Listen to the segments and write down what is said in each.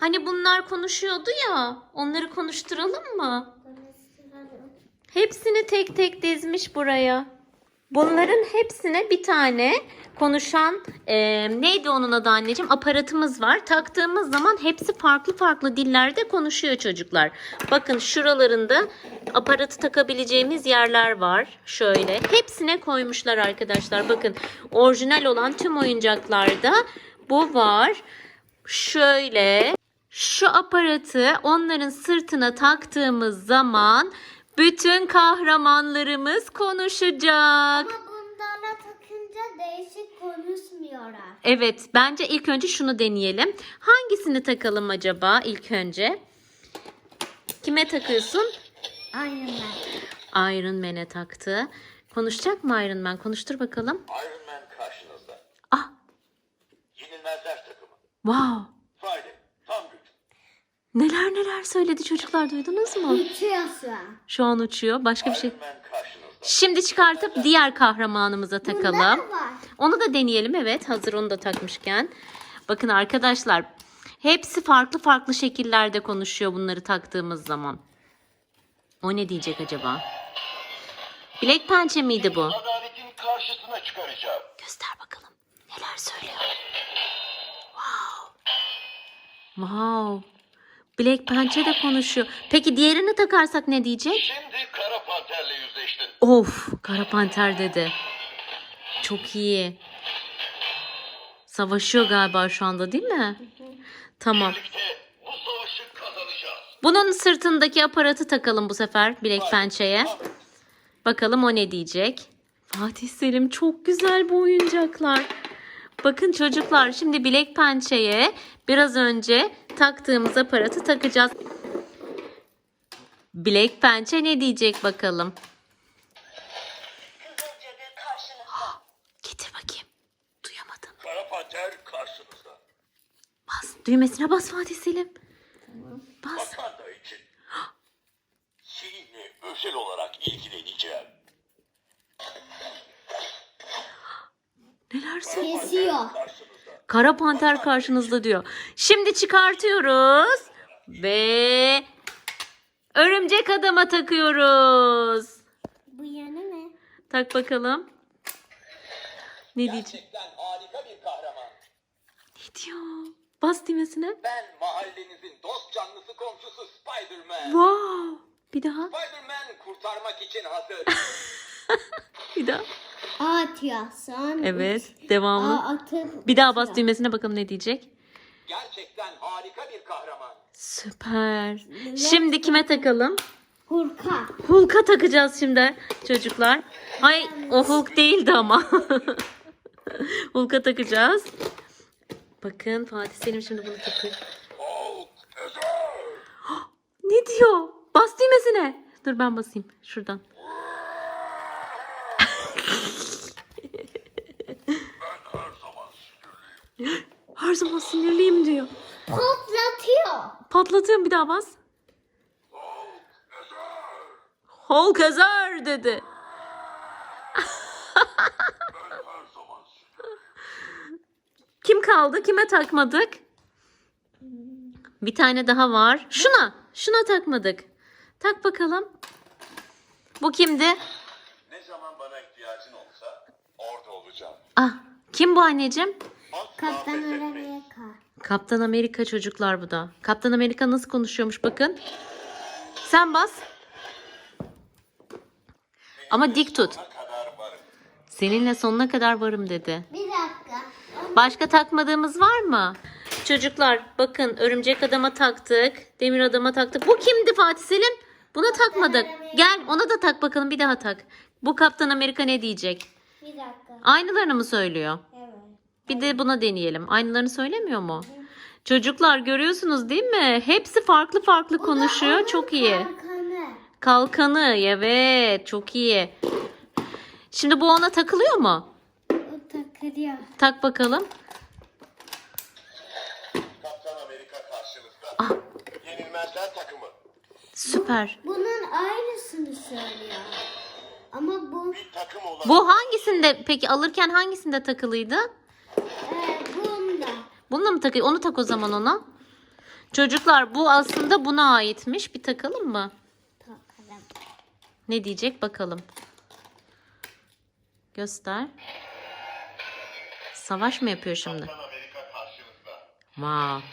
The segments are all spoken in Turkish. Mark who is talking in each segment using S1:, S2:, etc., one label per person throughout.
S1: Hani bunlar konuşuyordu ya. Onları konuşturalım mı? Hepsini tek tek dizmiş buraya. Bunların hepsine bir tane konuşan neydi onun adı anneciğim? Aparatımız var. Taktığımız zaman hepsi farklı farklı dillerde konuşuyor çocuklar. Bakın şuralarında aparatı takabileceğimiz yerler var. Şöyle. Hepsine koymuşlar arkadaşlar. Bakın orijinal olan tüm oyuncaklarda bu var. Şöyle. Şu aparatı onların sırtına taktığımız zaman bütün kahramanlarımız konuşacak.
S2: Ama bunlarla takınca değişik konuşmuyorlar.
S1: Evet, bence ilk önce şunu deneyelim. Hangisini takalım acaba ilk önce? Kime takıyorsun?
S2: Iron Man.
S1: Iron Man'e taktı. Konuşacak mı Iron Man? Konuştur bakalım.
S3: Iron Man karşınızda.
S1: Ah,
S3: Yenilmezler takımı.
S1: wow.
S3: Friday, tam güç.
S1: Neler neler söyledi çocuklar, duydunuz mu?
S2: Uçuyorsun.
S1: Şu an uçuyor. Başka bir şey.
S3: Iron Man karşınızda.
S1: Şimdi çıkartıp diğer kahramanımıza takalım.
S2: Bunlar var.
S1: Onu da deneyelim, evet, hazır onu da takmışken. Bakın arkadaşlar, hepsi farklı farklı şekillerde konuşuyor bunları taktığımız zaman. O ne diyecek acaba? Bilek pençe miydi bu?
S3: Adaletin karşısına çıkaracağım.
S1: Göster bakalım. Neler söylüyor? Wow. Wow. Bilek pençe de konuşuyor. Peki diğerini takarsak ne diyecek?
S3: Şimdi Kara Panter'le yüzleştin.
S1: Of, Kara Panter dedi. Çok iyi. Savaşıyor galiba şu anda, değil mi? Tamam.
S3: Birlikte bu savaşı kazanacağız.
S1: Bunun sırtındaki aparatı takalım bu sefer bilek pençeye. Bakalım o ne diyecek. Fatih Selim, çok güzel bu oyuncaklar. Bakın çocuklar, şimdi bilek pençeye biraz önce taktığımız aparatı takacağız. Bilek pençe ne diyecek bakalım. Getir bakayım. Duyamadım.
S3: Kara Panter karşınızda.
S1: Bas. Düğmesine bas Fatih Selim. Bas.
S3: Wakanda için. Seninle özel olarak ilgileneceğim.
S1: Neler söylüyor?
S2: Kesiyor.
S1: Kara Panter karşınızda diyor. Şimdi çıkartıyoruz. Ve örümcek adama takıyoruz.
S2: Bu yeni mi?
S1: Tak bakalım. Ne diyecek?
S3: Gerçekten harika bir kahraman.
S1: Ne diyor? Bas düğmesine.
S3: Ben mahallenizin dost canlısı komşusu Spider-Man.
S1: Wow. Bir daha.
S3: Spider-Man kurtarmak için hazır.
S1: Bir daha.
S2: Atıyorsun.
S1: Evet. Devamlı.
S2: Atıp
S1: Bir daha bas düğmesine, bakalım ne diyecek.
S3: Gerçekten harika bir kahraman.
S1: Süper. Şimdi kime takalım?
S2: Hurka.
S1: Hulk'a takacağız şimdi çocuklar. Hay, o Hulk değildi ama. Hulk'a takacağız. Bakın Fatih Selim şimdi bunu takıyor.
S3: Hulk özel.
S1: Ne diyor? Bas düğmesine. Dur ben basayım şuradan. Her zaman sinirliyim diyor.
S2: Patlatıyor.
S1: Patlatıyorum, bir daha bas. Hulk ezer dedi. Kim kaldı? Kime takmadık? Bir tane daha var. Şuna takmadık. Tak bakalım. Bu kimdi?
S3: Ne zaman bana ihtiyacın olsa orada olacağım.
S1: Ah, kim bu anneciğim?
S3: Asla
S2: Kaptan
S3: pes etmeyin.
S2: Amerika.
S1: Kaptan Amerika çocuklar bu da. Kaptan Amerika nasıl konuşuyormuş bakın. Sen bas. Ama dik tut.
S3: Sonuna kadar varım.
S1: Seninle sonuna kadar varım dedi.
S2: Bir dakika.
S1: Başka takmadığımız var mı? Çocuklar bakın, örümcek adama taktık. Demir adama taktık. Bu kimdi Fatih Selim? Buna takmadık. Gel ona da tak bakalım, bir daha tak. Bu Kaptan Amerika ne diyecek?
S2: Bir dakika.
S1: Aynılarını mı söylüyor?
S2: Evet.
S1: Bir de buna deneyelim. Aynılarını söylemiyor mu? Çocuklar görüyorsunuz değil mi? Hepsi farklı farklı konuşuyor. Çok iyi.
S2: Kalkanı.
S1: Kalkanı, evet, çok iyi. Şimdi bu ona takılıyor mu?
S2: O takılıyor.
S1: Tak bakalım.
S3: Kaptan Amerika karşınızda.
S1: Ah.
S3: Yenilmezler takımı.
S1: Süper.
S2: Bunun aynısını söylüyor. Ama bu
S3: Bir takım olarak
S1: Bu hangisinde peki, alırken hangisinde takılıydı?
S2: bunda.
S1: Bununla mı takıyor? Onu tak o zaman ona. Çocuklar bu aslında buna aitmiş. Bir takalım mı?
S2: Takalım.
S1: Ne diyecek bakalım. Göster. Savaş mı yapıyor şimdi?
S3: Kaptan Amerika karşınızda.
S1: Wow.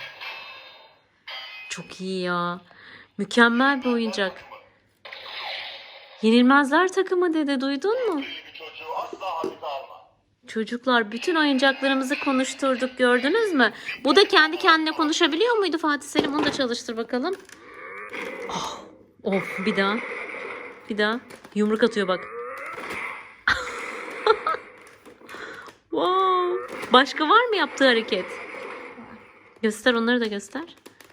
S1: Çok iyi ya. Mükemmel bir oyuncak. Yenilmezler takımı dedi. Duydun mu?
S3: İyi bir çocuğu asla hafife alma.
S1: Çocuklar bütün oyuncaklarımızı konuşturduk, gördünüz mü? Bu da kendi kendine konuşabiliyor muydu Fatih Selim? Onu da çalıştır bakalım. Oh, of bir daha. Bir daha. Yumruk atıyor bak. Wow. Başka var mı yaptığı hareket? Göster, onları da göster.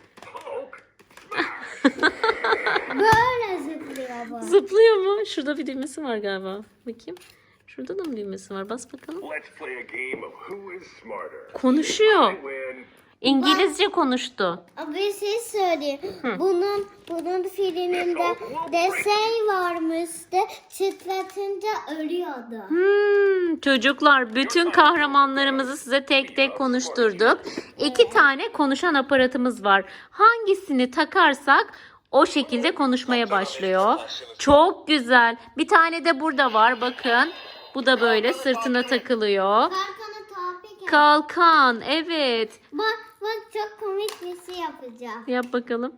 S2: Böyle zıplıyor bu.
S1: Zıplıyor mu? Şurada bir düğmesi var galiba. Bakayım. Şurada da mı düğmesi var? Bas bakalım.
S4: Let's play a game of who is smarter.
S1: Konuşuyor.
S4: Win.
S1: İngilizce konuştu.
S2: Ama bir şey söyleyeyim. Bunun filminde desen varmıştı. Çıtlatınca ölüyordu.
S1: Çocuklar bütün kahramanlarımızı size tek tek konuşturduk. 2 tane konuşan aparatımız var. Hangisini takarsak o şekilde konuşmaya başlıyor. Çok güzel. Bir tane de burada var bakın. Bu da böyle sırtına takılıyor.
S2: Kalkanı topik.
S1: Kalkan, evet.
S2: Bak çok komik bir şey yapacağım.
S1: Yap bakalım.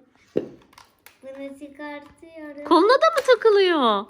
S2: Bunu çıkartıyorum.
S1: Koluna da mı takılıyor?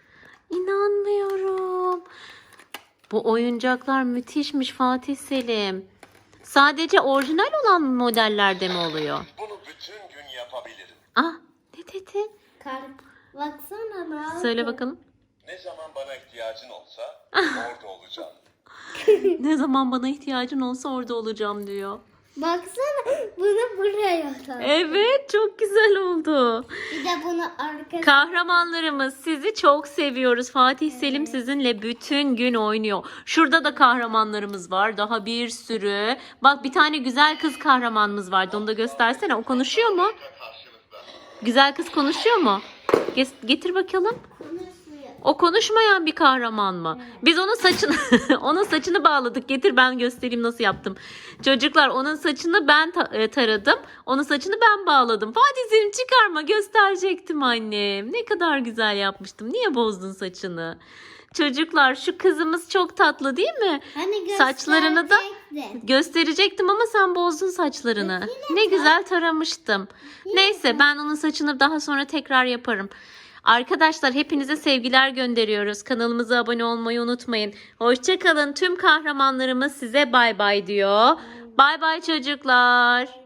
S1: İnanmıyorum. Bu oyuncaklar müthişmiş Fatih Selim. Sadece orijinal olan modellerde mi oluyor?
S3: Bunu bütün gün yapabilirim.
S1: Ah, ne dedin?
S2: Baksana ne yapıyor?
S1: Söyle bakalım.
S3: Ne zaman bana ihtiyacın olsa orada olacağım.
S1: Ne zaman bana ihtiyacın olsa orada olacağım diyor.
S2: Baksana bunu buraya tak.
S1: Evet, çok güzel oldu.
S2: Bir de bunu arkasına.
S1: Kahramanlarımız, sizi çok seviyoruz. Fatih Selim sizinle bütün gün oynuyor. Şurada da kahramanlarımız var. Daha bir sürü. Bak bir tane güzel kız kahramanımız vardı. Onu da göstersene. O konuşuyor mu?
S3: Karşınızda.
S1: Güzel kız konuşuyor mu? Getir bakalım.
S2: Konuşuyor.
S1: O konuşmayan bir kahraman mı? Biz onun saçını onun saçını bağladık. Getir ben göstereyim nasıl yaptım. Çocuklar onun saçını ben taradım. Onun saçını ben bağladım. Fatih Selim çıkarma, gösterecektim annem. Ne kadar güzel yapmıştım. Niye bozdun saçını? Çocuklar şu kızımız çok tatlı değil mi?
S2: Hani
S1: Saçlarını da
S2: gösterecektin.
S1: gösterecektim ama sen bozdun saçlarını. Ne güzel taramıştım. Neyse ben onun saçını daha sonra tekrar yaparım. Arkadaşlar hepinize sevgiler gönderiyoruz. Kanalımıza abone olmayı unutmayın. Hoşça kalın. Tüm kahramanlarımız size bay bay diyor. Bay bay çocuklar.